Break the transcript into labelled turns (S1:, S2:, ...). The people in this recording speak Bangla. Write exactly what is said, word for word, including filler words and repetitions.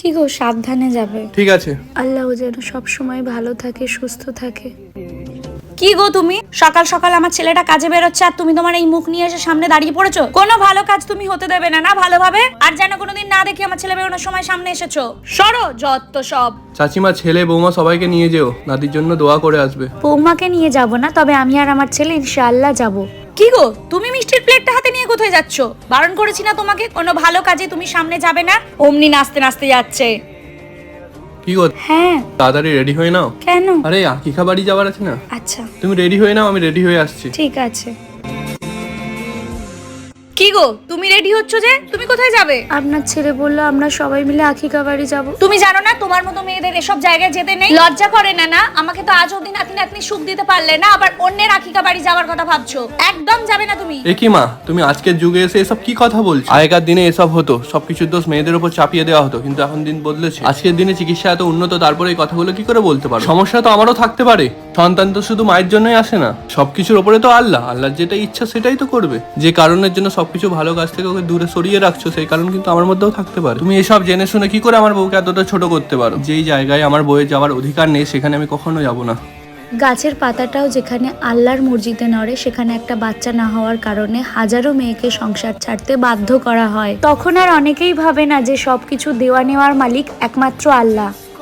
S1: কি গো, সাবধানে যাবে।
S2: ঠিক আছে।
S1: আল্লাহ যেন সব সময় ভালো থাকে, সুস্থ থাকে।
S3: কি গো তুমি সকাল সকাল আমার ছেলেটা কাজে বেরোচ্ছে আর তুমি তোমার এই মুখ নিয়ে এসে সামনে দাঁড়িয়ে পড়েছো? কোনো ভালো কাজ তুমি হতে দেবে না না ভালোভাবে? আর যেন কোনোদিন না দেখি আমার ছেলে বেরোনোর সময় সামনে এসেছো। সরো যত সব।
S2: চাচিমা, ছেলে বৌমা সবাইকে নিয়ে যেও, নাতির জন্য দোয়া করে আসবে।
S1: বৌমাকে নিয়ে যাব না, তবে আমি আর আমার ছেলে ইনশাআল্লাহ যাব।
S3: কি গো, তুমি মিষ্টির প্লেটটা হাতে নিয়ে কোথায় যাচ্ছ? বারণ করেছি না তোমাকে কোনো ভালো কাজে তুমি সামনে যাবে না? অমনি নাচতে নাচতে যাচ্ছে।
S2: কি গো,
S1: হ্যাঁ।
S2: তাড়াতাড়ি রেডি হয়ে নাও।
S1: কেন?
S2: আরে আকিকা বাড়ি যাওয়ার আছে না।
S1: আচ্ছা
S2: তুমি রেডি হয়ে নাও, আমি রেডি হয়ে আসছি।
S1: ঠিক আছে।
S3: কি গো, তুমি রেডি হচ্ছ যে? তুমি কোথায় যাবে?
S1: আপনার ছেলে বললো আমরা সবাই মিলে আখিকা বাড়ি যাব।
S3: তুমি জানো না তোমার মতো মেয়েদের এসব জায়গায় যেতে নেই? লজ্জা করে না না? আমাকে তো আজ অবধি নাতি নাতনি সুখ দিতে পারলে না, আবার অন্যের আখিকা বাড়ি যাওয়ার কথা ভাবছো? একদম যাবে না তুমি।
S2: এ কি মা, তুমি আজকের যুগে এসে এসব কি কথা বলছো? আগেকার দিনে এসব হতো, সবকিছুর দোষ মেয়েদের উপর চাপিয়ে দেওয়া হতো, কিন্তু এখন দিন বদলেছে। আজকের দিনে চিকিৎসা এত উন্নত, তারপরে এই কথাগুলো কি করে বলতে পারো? সমস্যা তো আমারও থাকতে পারে। সন্তান তো শুধু মায়ের জন্যই আসে না, সবকিছুর ওপরে তো আল্লাহ, আল্লাহর যেটা ইচ্ছা সেটাই তো করবে। যে কারণের জন্য সবকিছু ভালো কাজ থেকে ওকে দূরে সরিয়ে রাখছো, সেই কারণ কিন্তু আমার মধ্যেও থাকতে পারে। তুমি এসব জেনে শুনে কি করে আমার বউকে এতটা ছোট করতে পারো? যেই জায়গায় আমার বউয়ের যাওয়ার অধিকার নেই সেখানে আমি কখনো যাব না।
S1: গাছের পাতাটাও যেখানে আল্লাহর মর্জিতে নড়ে, সেখানে একটা বাচ্চা না হওয়ার কারণে হাজারো মেয়েকে সংসার ছাড়তে বাধ্য করা হয়। তখন আর অনেকেই ভাবে না যে সবকিছু দেওয়া নেওয়ার মালিক একমাত্র আল্লাহ।